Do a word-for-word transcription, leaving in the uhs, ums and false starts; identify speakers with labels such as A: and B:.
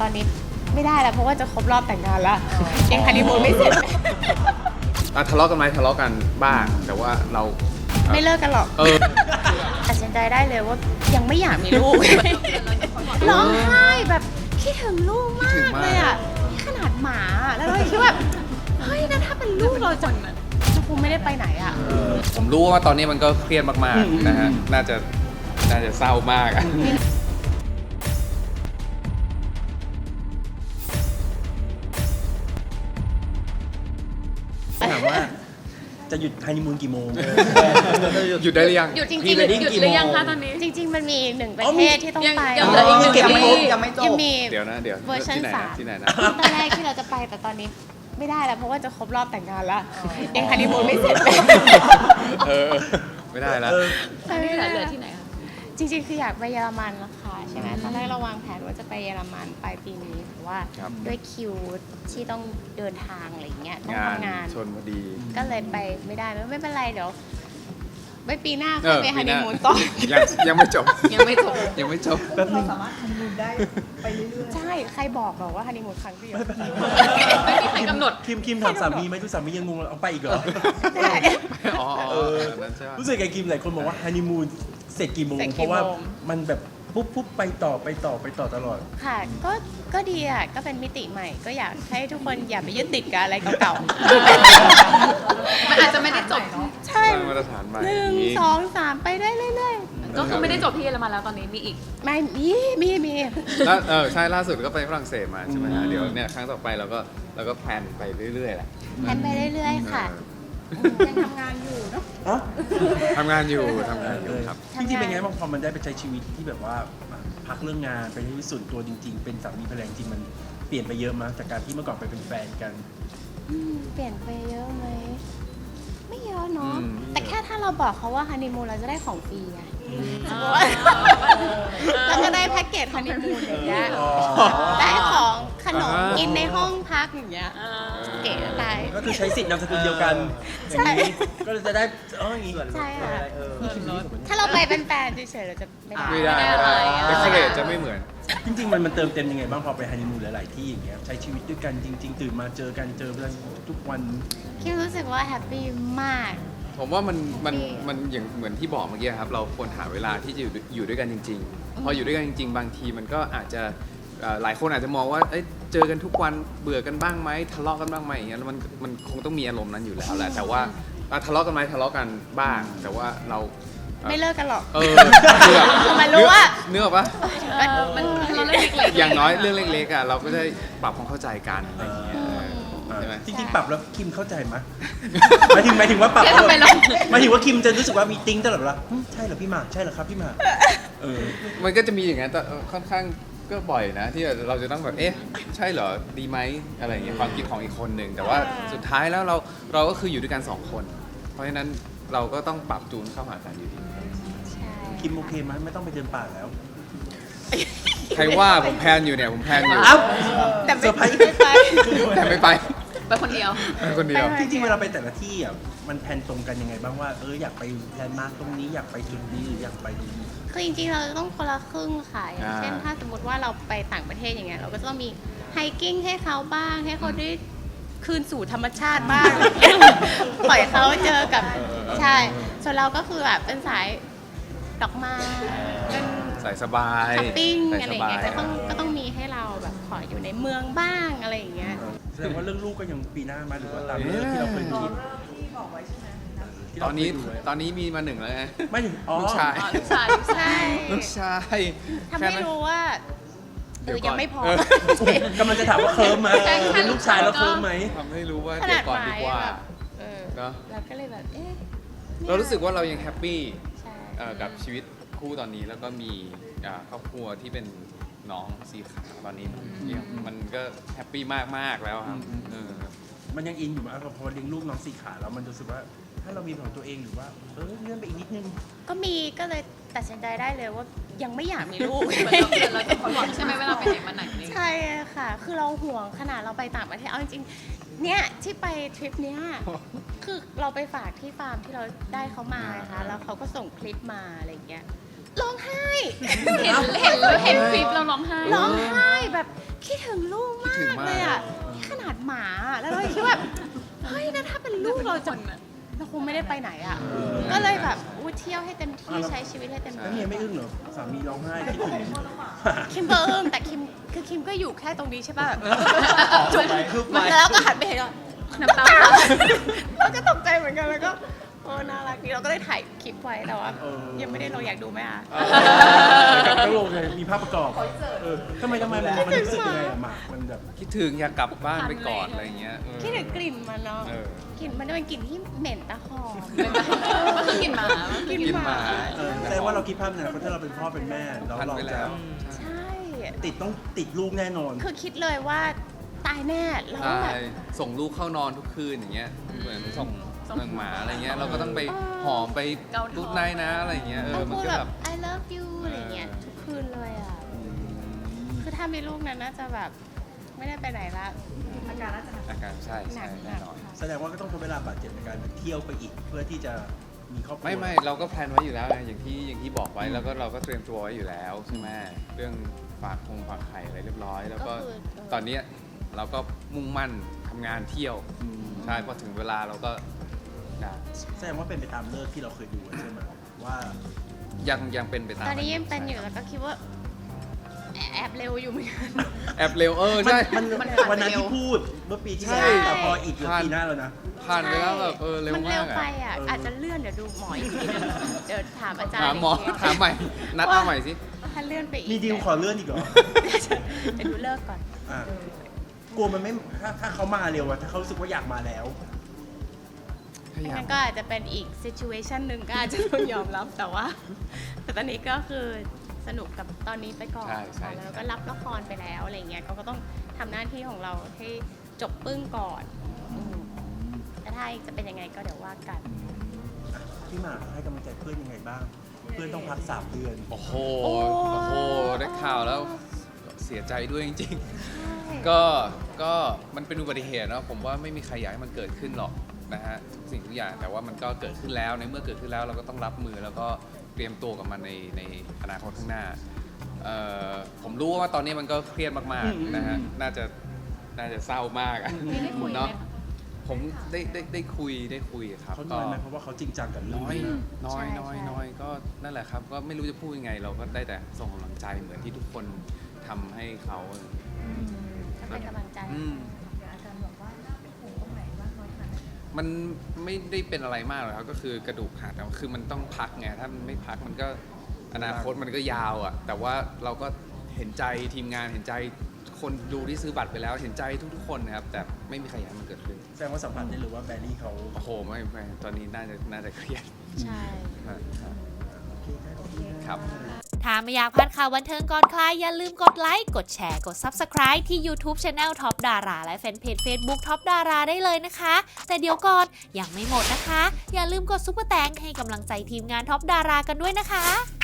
A: ตอนนี้ไม่ได้แล้วเพราะว่าจะครบรอบแต่งงานแล้วยังฮันนีมูนไม่เสร็จ
B: อ่ะทะเลาะกันไหมทะเลาะกันบ้างแต่ว่าเราอ่ะ
A: ไม่เลิกกันหรอก
B: เออ
A: ตัดสินใจได้เลยว่ายังไม่อยากมีลูก ร้องไห้แบบคิดถึงลูกมากเลยอ่ะนี่ขนาดหมาอะแล้วเราคิดว่าเฮ้ยนะถ้าเป็นลูกเราจะจะคงไม่ได้ไปไหนอ่ะ
B: ผมรู้ว่าตอนนี้มันก็เครียดมากๆนะฮะน่าจะน่าจะเศร้ามากอะ
C: ถามว่าจะหยุดฮันนีมูนกี่โมง
B: หยุดได้หรือยัง
D: หยุดจริง
C: พรี
D: ๆ
C: เวดดิ้ง
D: หยุด
C: กี่
D: หรือ
C: โมง
D: ยังคะตอนนี้
A: จริง ๆ มันมีอีกหนึ่งประ
C: อ๋อ
A: เท
C: มี
A: ศที่ต้อง
D: ยัง
A: ไป
D: ยังเหลืออีกหนึ่ง
C: เก็บไม่ครบ
D: ปี
C: ยังไม่จ
A: ยัง
C: บ
A: มี
B: เดี๋ยวนะเดี๋ยว
A: เวอร์ชัน
B: ที่ไหน
A: สา
B: นะ
A: ม
B: ที่ไหนนะ
A: ตอนแรกที่เราจะไปแต่ตอนนี้ไม่ได้แล้วเพราะว่าจะครบรอบแต่งงานแล้วยังฮันนีมูนไม่เสร็จ
B: เออไม่ได้แล้ว
C: เออ
D: อันนี้เหลือเหลือที่ไหนคะ
A: จริงๆ คืออยากไปเยอรมันแล้วค่ะใช่ไหมตอนแรกเราวางแผนว่าจะไปเยอรมันปลายปีนี้แต่ว่า
B: ครับ
A: ด้วยคิวที่ต้องเดินทางอะไรอย่างเงี้ยต้อง
B: งาน
A: ทำงาน
B: ชนพอดี
A: ก็เลยไปไม่ได้ไม่ไม่เป็นไรเดี๋ยวไว้ปีหน้า
B: เอ
A: ค่อย
B: อ
A: ไปฮัน
B: ปีห
A: นี
B: น้า
A: มูนต่อ
B: ยังยังไม่จบ
D: ยังไม่จบ
B: ยังไม่จบ
C: แป๊บนึง
E: สามารถทำบุญได้ไปเรื่อย
A: ใช่ใครบอกบอกว่าฮันนีมูนครั้งเดียว
D: ไม่มีใครกำหนด
C: คิมคิมถามสามีไหมดูสามียังงงเลยเอาไปอีกเหรอ
A: ใช่
B: อ๋ออ๋อ
C: เออ
B: อันนั้นใช่ปะ
C: รู้สึกไงคิมหลายคนบอกว่าฮันนีมูนเสร็จกี่โมง
A: เสร็จกี่
C: เพราะว่า
A: โมง
C: มันแบบปุ๊บปุ๊บไปต่อไปต่อไปต่อตลอด
A: ค่ะก็ก็ดีอ่ะก็เป็นมิติใหม่ ก็อยากให้ทุกคนอย่าไปยึดติดกับอะไรเก่า
D: มันอาจจะไม่ได้จบ
A: ๆใช่
B: สร้างมาตรฐานใหม่
A: หนึ่งสองสามไปได้เรื่อย
D: ก็คือไม่ได้จบที่เยอรมันแล้วตอนนี้มีอีก
A: ๆไม่มีมีมี
B: ล่าเออใช่ล่าสุดก็ไปฝรั่งเศสมาใช่ไหมฮะเดี๋ยวเนี่ยครั้งต่อไปเราก็เราก็แพลนไปเรื่อยๆแหละ
A: แพนไปเรื่อยๆค่ะ
E: ยังทำงานอยู่เนาะ
C: เอ้า
B: ทำงานอยู่ทำงานอยู่ครับ
C: จริงๆเป็นไงบ้างพอมันได้ไปใช้ชีวิตที่แบบว่าพักเรื่องงานไปใช้ชีวิตส่วนตัวจริง ๆ เป็นสามีภรรยาจริงๆมันเปลี่ยนไปเยอะมั้ยจากการที่เมื่อก่อนไปเป็นแฟนกัน
A: อืมเปลี่ยนไปเยอะไหมไม่เยอะเนาะ
B: อืม
A: แต่แค่ถ้าเราบอกเขาว่าฮันนีมูนเราจะได้ของฟรีไง
D: อ๋อ
A: แล้วก็ได้แพ็กเกจฮันนีมูนอย่างเงี้ย
C: อ๋อ
A: ได้ของขนม
B: อ่ากิ
A: กินในห้องพักอย่างเงี้ย
D: อ่า
A: เก๋ไป
C: ก็คือใช้สิทธิ์นามสกุลเดียวกันอย่างนี้ก็เลยจะได้อ๋ออย่างนี้
A: ใช่ค่ะ ถ้าเราไปเป็นแฟนเฉยๆเราจะไม่ได้
B: ไม่ได้
D: ไม่ได้อะไร
B: เอ็กซ์เรย์จะไม่เหมือน
C: จริงๆมันมันเติมเต็มยังไงบ้างพอไปฮันนีมูนหลายๆที่อย่างเงี้ยใช้ชีวิตด้วยกันจริง ๆ ตื่นมาเจอกันเจอกันทุกวัน
A: คิดรู้สึกว่าแฮปปี้มาก
B: ผมว่ามันมัน
A: ดี
B: มันอย่างเหมือนที่บอกเมื่อกี้ครับเราควรหาเวลาที่จะอยู่อยู่ด้วยกันจริง ๆ พออยู่ด้วยกันจริง ๆ บางทีมันก็อาจจะเอ่อหลายคนอาจจะมองว่าเอ้ยเจอกันทุกวันเบื่อกันบ้างไหมทะเลาะกันบ้างไหมอย่างเงี้ยแล้วมันมันคงต้องมีอารมณ์นั้นอยู่แล้วแหละแต่ว่าอ่ะทะเลาะกันไหมทะเลาะกันบ้าง แต่ว่าเราอ่ะ
A: ไม่เลิกกันหรอก
B: เออเนื้อ
A: ทำไมรู้ว่า
B: เนื้อปะ
D: เออมันเราเล่นเล็กๆ
B: อย่างน้อยเรื่องเล็กๆอ่ะเราก็ได้ปรับความเข้าใจกันอะไรอย่างเงี้ยใช่ไหม
C: จริงๆปรับแล้วคิมเข้าใจไหมหมายถึงหมายถึงว่าปรับ
D: เอ๊ะทำไมเรา
C: หมายถึงว่าคิมจะรู้สึกว่ามีติ้งตลอดเวลาหึใช่เหรอพี่หมากใช่เหรอครับพี่หมากเออ
B: มันก็จะมีอย่างนั้นแต่เออค่อนข้างก็บ่อยนะ ที่เราจะต้องแบบเอ๊ะใช่เหรอดีไหมอะไรอย่างเงี้ยความคิดของอีกคนหนึ่งแต่ว่าสุดท้ายแล้วเราเราก็คืออยู่ด้วยกันสองคน เพราะฉะนั้นเราก็ต้องปรับจูนเข้าหากันอยู่ดี
A: ใช่
C: คิมโอเคไหมไม่ต้องไปเดินป่าแล้ว
B: ใครว่าผมแพลนอยู่เนี่ยผมแพลนอยู่
C: เอ้า
A: แต่
C: เซอร์ไพรส์
A: ไม่ไป
B: แต่ไม่ไป
D: ไปคนเดียว
B: ไปคนเดียว
C: จริงๆเวลาไปแต่ละที่อ่ะมันแพลนตรงกันยังไงบ้างว่าเอออยากไปแลนด์มาร์คตรงนี้อยากไปจุดนี้หรืออยากไปตรงนี้
A: คือจริงๆเราต้องคนละครึ่งค่ะอย่าง
B: อ่า
A: เช่นถ้าสมมติว่าเราไปต่างประเทศอย่างเงี้ยเราก็จะต้องมีไฮกิ้งให้เขาบ้าง ให้เขาได้คืนสู่ธรรมชาติบ้าง ปล่อยเขาเจอกับใช่ ส่วนเราก็คือแบบเป็นสายดอกไม้เป็น
B: ใส่สบาย
A: ช้อปปิ้ง
B: ใส่
A: อะ
B: ส
A: ไรอย่าง
B: บา
A: เงี้
B: ย
A: ยก็ต้องก็ต้องมีให้เราแบบขออยู่ในเมืองบ้างอะไรอย่างเงี้ย
C: แสดงว่าเรื่องลูกก็ยังปีหน้ามาหรือว่าตาม
B: เอ๊ะ
C: เรื่องที่เราเคย
E: รอ
C: คิด
E: เริ่มที่บอกไว้ใช่ไหม
C: ที่
B: ต
C: เรา
B: อนนี้
C: เคยดูไว้
B: ตอนนี้มีมาหนึ่งแล้วไง
C: ไม่ถึงอ๋อ
B: ลูกชาย
D: อ๋อลูกชายลูกชาย
A: ใช่
B: ลูกชาย
A: ทำให้รู้ว่าเอ
B: เดี๋
A: อ
B: ยวก่อน
A: ยังไม่พอ
B: เออ
C: กำลังจะถามว่าเคิร์มไหม
D: ใช่ค่ะ
C: เป็นลูกชายแล้วเคิร์มไหม
B: ทำให้รู้ว่า
A: ข
B: เดี๋
A: นา
B: ยว
A: ด
B: ก่อน
A: ห
B: ดี
A: มาย
B: กว่า
A: แบบเออ
B: เนอะ
A: เราก็เลยแบบเอ๊ะ
B: เรารู้สึกว่าเรายังแฮปปี้
A: ใช่
B: เอ่อกับชีวิตคู่ตอนนี้แล้วก็มีอ่าครอบครัวที่เป็นน้องสีขาวตอนนี้เนี่ยมันก็แฮปปี้มากๆแล้วครับเออ
C: มันยังอินอยู่มากพอเลี้ยงลูกน้องสีขาแล้วมันรู้สึกว่าถ้าเรามีของตัวเองหรือว่าเออเลื่อนไปอีกนิดนึง
A: ก็มีก็เลยตัดสินใจได้เลยว่ายังไม่อยากมีลูก
D: เหมือนเราเหมือนเราจะห่วงใช่ไหมเวลาไปไหนมาไหนนี่
A: ใช่ค่ะ คือเราห่วงขนาดเราไปต่างประเทศเอาจริงๆเนี่ยที่ไปทริปเนี้ยคือเราไปฝากที่ฟาร์มที่เราได้เขามานะคะแล้วเขาก็ส่งคลิปมาอะไรอย่างเงี้ยร้องไห้
D: เห็นเห็นเห็นคลิปเราร้องไห้
A: ร้องไห้แบบคิดถึงลูก
B: คิดถึง
A: มาก
B: มาก
A: เลยอ่ะนี่ขนาดหมาแล้วเราคิดว่าเฮ้ยนะถ้าเป็นลูกเราจะเราคงไม่ได้ไปไหนอ่ะก็เลยแบบอู้เที่ยวให้เต็มที่ใช้ชีวิตให้เต็ม
C: แล้ว
A: ที่
C: เมียไม่อึ้งเหรอสามีร้องไห้คิดถึง
A: คิมก็อึ้งแต่คิมคือคิมก็อยู่แค่ตรงนี้ใช่ป่ะแบบ
C: จุกคือไป
A: แล้วก็หันไปเห็นว่า
D: น้ำตา
A: เราก็ตกใจเหมือนกันแล้วก็โอ้น่ารักดีเราก็เลยถ่ายคลิปไว้แต่ว่า
C: เออ
A: ยังไม่ได้ลงอยากดูไหมอ่ะ
C: ต้องลงเลยมีภาพประกอบเออทำไมทำไมมันมันรู้สึกยังไงอะหมากมันแบบ
B: คิดถึงอยากกลับบ้านไปกอดอะไรเงี้ยเออ
A: คิดถึงกลิ่นมันเนาะ
B: เออ
A: กลิ่นมันจะเป็นกลิ่นที่เหม็นตะหอม
D: มันคือกินหมา
A: กลิ่น
B: กิน
A: ห
B: ห
A: มา
B: มา
C: เออแสดงว่าเราคิดภาพเนี่ยถ้าเราเป็นพ่อเป็นแม่แล้ว
B: พัน
C: เรา
B: ไป
C: จะ
B: แล้ว
A: ใช่
C: ติดต้องติดลูกแน่นอน
A: คือคิดเลยว่าตายแน่เราต้องแบ
B: ใช่
A: บ
B: ส่งลูกเข้านอนทุกคืนอย่างเงี้ยเหมือนส่งเมืองหมาอะไรเงี้ยเราก็ต้องไป
A: เออ
B: หอมไปรูดไนท์นะอะไรเงี้ยเอ
A: ต้อ
B: อง มัน
A: พูด
B: ก็
A: แบ
B: แบบ บ
A: I love you อะไรเงี้ยทุกคืนเลยอ่ะ คือถ้ามีลูกนั้นน่าจะแบบไม่ได้ไปไหนละ
E: อาการน่าจะหนัก
B: อาการใช่
A: หนั
B: ใช่
A: กห
B: แน่
A: นัก
B: นอน
A: ค่ะ
C: แสดงว่าก็ต้องใช้เวลาบาดเจ็บในการแบบเที่ยวไปอีก เพื่อที่จะมีครอบครัว
B: ไม่ไม่เราก็แพลนไว้อยู่แล้วไงอย่างที่อย่างที่บอกไว้แล้วก็เราก็เตรียมตัวไว้อยู่แล้วใช่ไหมเรื่องฝากคงฝากไข่อะไรเรียบร้อย แล้วก็
A: ก็คือเออ
B: ตอนเนี้ยเราก็มุ่งมั่นทำงานเที่ยว
C: อืม
B: ใช่พอถึงเวลาเราก็นะ
C: แสดงว่าเป็นไปตามเลิกที่เราเคยดูไว้ใช่ไหมว่า
B: ยังยังเป็นไปตาม
A: ตอนนี้ยังเป็นอยู่แล้วก็คิดว่าแอบแอบเร็วอยู่เหมือนกัน
B: แอบเร็วเออ
C: มัน
B: ใช่
C: มัน
D: มันผ่าน
C: วันนั้น
D: ไปเร็ว
C: ที่พูดเมื่อปีที่
B: ใช่
C: แล้วแต่พออีกเหลือปีหน้าแล้วนะ
B: ผ่านไปแล้วแบบเออเร็ว
A: มัน
B: มา
A: เร็ว
B: ก
A: ไป
B: อะ
A: อ่ะ
C: เอออ
A: อาจจะเลื่อนเดี๋ยวดูหมออีกทีนึงเดี๋ยวถามอาจารย์
B: ถามหมอ
A: อีกที
B: ถามใหม่ นัดเอาใหม่สิ
A: ถ้าเลื่อนไปอีก
C: มีดีลขอเลื่อนอีกเหรอ
A: เดี๋ยวดูเลิกก่อน
C: อ่ะกลัวมันไม่ถ้าถ้าเขามาเร็วอะถ้าเขารู้สึกว่าอยากมาแล้ว
B: พยายาม
A: งั้นก็อาจจะเป็นอีก situation หนึ่งก็อาจจะต้องยอมรับแต่ว่า แต่ตอนนี้ก็คือสนุกกับตอนนี้ไปก่อน
B: ใช่ใช่
A: ค่ะแล้วก็รับละครไปแล้วอะไรเงี้ยเขาก็ต้องทำหน้าที่ของเราให้จบปึ้งก่อนอืมแต่ถ้าอีกจะเป็นยังไงก็เดี๋ยวว่ากัน
C: อ่ะพี่หมากให้กำลังใจเพื่อนยังไงบ้าง เพื่อนต้องพักสามเดือน
B: โอ้โห
A: โอ้
B: โอ้โห ได้ข่าวแล้วเสียใจด้วยจริงๆ ก็ ก็มันเป็นอุบัติเหตุเนาะ ผมว่าไม่มีใครอยากให้มันเกิดขึ้นหรอกนะฮะทุกสิ่งทุกอย่าง แต่ว่ามันก็เกิดขึ้นแล้ว ในเมื่อเกิดขึ้นแล้วเราก็ต้องรับมือแล้วก็เตรียมตัวกับมันในในอนาคตข้างหน้าเอ่อผมรู้ว่าตอนนี้มันก็เครียดมาก
C: อืม
B: ๆนะฮะ
C: อืม
B: น่าจะ น่าจะเศร้ามากอะ
D: มีได้คุยไหม
B: เนาะ
D: คะ
B: ผมได้ได้ได้คุยได้คุยครับ
C: เขาน้อยไหมเพราะว่าเขาจริงจังกับเรื่อง
B: น้อย
C: นี้มาก
B: น้อย
A: ใช่
B: น้อย
A: ใช่
B: น้อยก็นั่นแหละครับ ก็ไม่รู้จะพูดยังไง เราก็ได้แต่ส่งกำลังใจเหมือนที่ทุกคนทำให้เขา
A: ก็เป็นกำลังใจ
B: อืม
E: อาจารย์บอกว่าน่าเป็นห่วงตรงไหนบ้างน้อยขนาดไหน
B: มันไม่ได้เป็นอะไรมากหรอกครับก็คือกระดูกหักแต่ว่าคือมันต้องพักไงถ้ามันไม่พักมันก็อนาคตมันก็ยาวอ่ะ แต่ว่าเราก็เห็นใจทีมงานเห็นใจคนดูที่ซื้อบัตรไปแล้วเห็นใจทุกๆคนนะครับ แต่ไม่มีใครอยากให้มันเกิดขึ้น
C: แสดงว่าสัมผัสได้เลยว่าแบรี่เขา
B: โอ้โหไม่ไม่ตอนนี้น่าจะน่าจะเครียด
A: ใช่
B: มากครับ
C: โอเคครับขอบคุณครับ
B: ครับ
F: ถ้าไม่อยากพลาดข่าวบันเทิงก่อนใครอย่าลืมกดไลค์ กดแชร์ กด Subscribe ที่ YouTube Channel Top Dara และแฟนเพจ Facebook Top Dara ได้เลยนะคะ แต่เดี๋ยวก่อนยังไม่หมดนะคะ อย่าลืมกดซุปเปอร์แตงให้กำลังใจทีมงาน Top Dara กันด้วยนะคะ